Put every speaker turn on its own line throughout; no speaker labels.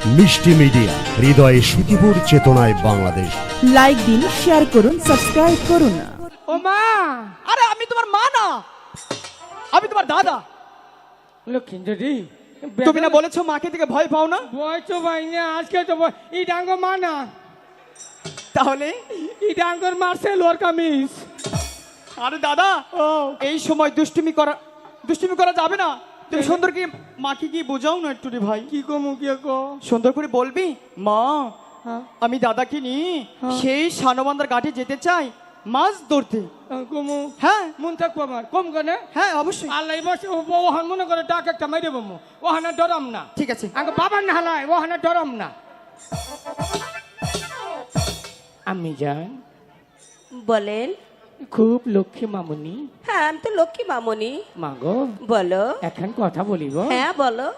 মিষ্টি মিডিয়া, হৃদয়ে সুখীপুর, চেতনায় বাংলাদেশ।
লাইক দিন, শেয়ার করুন, সাবস্ক্রাইব করুন।
ও মা,
আরে আমি তোমার মা না, আমি তোমার দাদা।
লক্ষ্মী
তুমি না বলেছো মাকে থেকে ভয় পাও না?
ভয় তো ভাই না, আজকে তো ই ডাঙ্গ মা না,
তাহলে
ই ডাঙ্গর মারছে লোর কামিজ।
আরে দাদা,
ও
এই সময় দুষ্টুমি করা যাবে না। তুমি সুন্দর কি মাকে কি বোঝাও না একটু রে ভাই।
কি কমু কি কো
সুন্দর করে বলবি, মা
হ্যাঁ
আমি দাদাকে নিয়ে
হ্যাঁ।
সেই সানবান্ধার ঘাটে যেতে চাই মাছ ধরতে।
কমু
হ্যাঁ
মন থাকবো আমার কম কেনে।
হ্যাঁ অবশ্যই।
আল্লাহ বসে ওহান মনে করে ডাক একটা মাইরে বমু, ওহানা ডরাম না।
ঠিক আছে।
আগে বাবার না হালায় ওহানা ডরাম না। আমি যান
বলেন।
খুব লক্ষ্মী মামুনি।
হ্যাঁ আমি তো লক্ষ্মী মামনি।
মাগো
বলো।
এখন কথা বলিব।
হ্যাঁ বলো।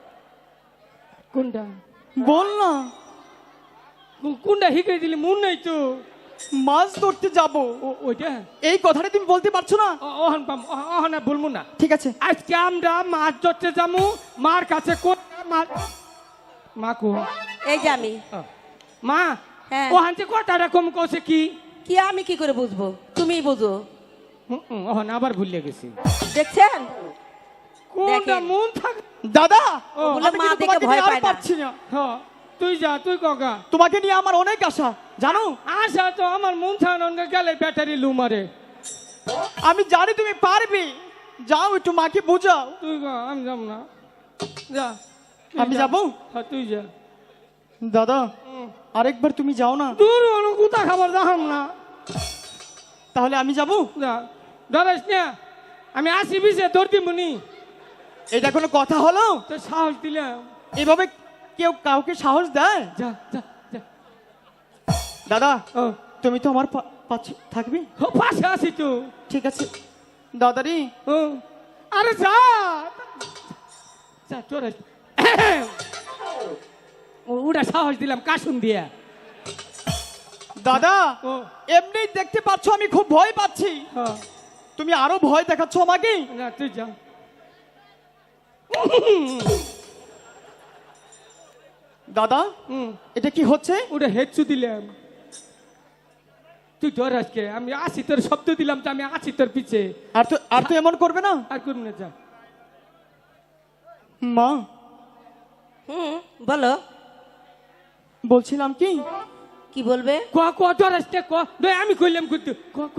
কোনটা
বল না।
কোনটা হিকে দিলি মন নাই তো।
মাছ ধরতে যাব,
ওইটা
এই কথাটা তুমি বলতে পারছো না?
ওহান পাম ওহানা বলবো না।
ঠিক আছে।
আজকে আমরা মাছ ধরতে যাবো, মার কাছে মা কো
এই যে আমি।
মা
হ্যাঁ।
ওহান যে কথাটা কম কছে কি
কি আমি কি করে বুঝবো, তুমিই বুঝো।
ওহান আবার ভুলে গেছি।
দেখছেন
কোনটা
দেখেন।
মন থাক।
দাদা
ও,
ওগুলো
আমি
মা
কিন্তু
দেখে
তোমাকে
ভয়
নিয়ে আর
পায় না।
পারছি না।
হ্যাঁ তুই যা, তুই কগা।
তোমাকে নিয়ে আমার অনেক আশা জানো।
আশা তো আমার মন থাকা গেলে ব্যাটারি লু মারে।
আমি জানি তুমি পারবে, যাও একটু মাকে বোঝাও।
তুই গা, আমি যাব না। যা তুই
আমি
যা।
যাবো?
হ্যাঁ তুই যা।
দাদা আরেকবার তুমি যাও না,
দূর হলো কোথা খাবার যাহাম না।
তাহলে আমি যাব।
যা ডরাইস না, আমি আসি বিছে তোর দিমুনি।
এটা কোনো কথা হলো?
তো সাহস দিলাম।
এভাবে কেউ কাউকে সাহস দেয়?
যা যা যা।
দাদা
ও
তুমি তো আমার পাশে থাকবে?
ও, পাশে আসি তো।
ঠিক আছে দাদারি।
ও আরে যা যা ডরাইস। ওটা সাহস দিলাম কাশুন দিয়া।
দাদা
ও
এমনি দেখতে পাচ্ছ আমি খুব ভয় পাচ্ছি,
হ্যাঁ
তুমি আরো ভয় দেখাচ্ছ আমাকে।
না তুই যা।
দাদা এটা কি হচ্ছে?
ওটা হেডছু দিলাম। তুই ডর আজকে আমি আসি তোর শব্দ দিলাম তো, আমি আছি তোর পিছে।
আর তো এমন করবে না।
আর করুন না, যা।
মা
বলো।
বলছিলাম কি,
কি বলবে?
ক ক ডর আসতে ক, নয় আমি কইলাম কিন্তু ক ক।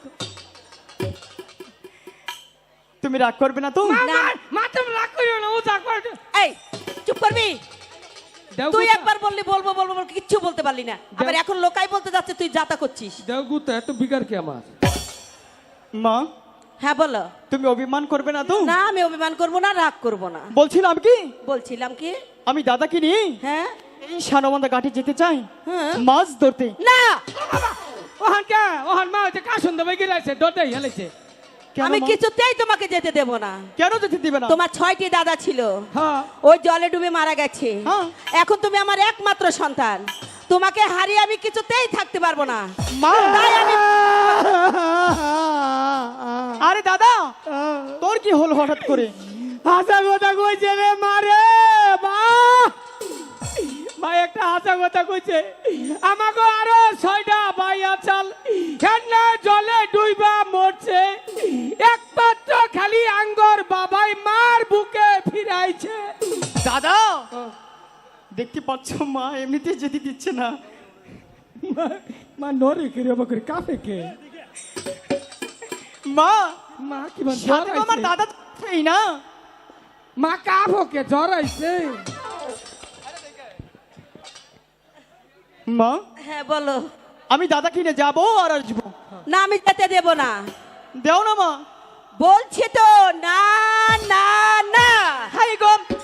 তুমি রাগ করবে না তো?
মা তুমি রাগ করিও না, ও যা কর।
এই চুপ করবি।
দেও
তুই
গুতা,
একবার বললি বলবো বলবো বলবো, কিচ্ছু বলতে পারলি না। আবার এখন লোকাই বলতে যাচ্ছে তুই যাতা করছিস।
দেও গুতা, এত বিকার কি আমার?
মা
হ্যাঁ বলো।
তুমি অভিমান করবে না তো?
না আমি অভিমান করবো না, রাগ করবো না।
বলছিলাম কি,
বলছিলাম কি,
আমি দাদাকে নিয়ে
হ্যাঁ
এই সানবান্ধা ঘাটে যেতে চাই
হ্যাঁ।
মাছ ধরতে।
না
ওহান কে ওহান মা হচ্ছে কাশুন দেবে গিলাইছে, ডরটাই হেলাইছে।
কেন
আমি
মা?
কিছুতেই তোমাকে যেতে দেব না।
কেন যেতে দিবে না?
তোমার 6টি দাদা ছিল,
হ্যাঁ
ওই জলে ডুবে মারা গেছে।
হ্যাঁ।
এখন তুমি আমার একমাত্র সন্তান, তোমাকে হারিয়ে আমি কিছুতেই থাকতে পারবো না।
মা
তাই আমি
আরে দাদা তোর কি হলো হঠাৎ করে?
হাসা কথা কইছে রে মারে। মা মা একটা হাসা কথা কইছে, আমাকে আরো 6টা ভাই আছাল হেন্না জলে ডুইবা মরছে, একমাত্র খালি আঙ্গর বাবাই মার বুকে ফিরাইছে।
দাদা দেখতে পাচ্ছ মা এমনিতে যেতে দিচ্ছে না।
মা নরে কে রে বকরে কাফে কে।
মা
মা কি বল
সাথে তো আমার দাদা এই না।
মা কাফো কে জরাইছে।
মা
হ্যাঁ বলো।
আমি দাদাকে নিয়ে যাবো আর আসবো।
না আমি যেতে দেব না।
দেও না মা।
বলছি তো না না না।
হাই গো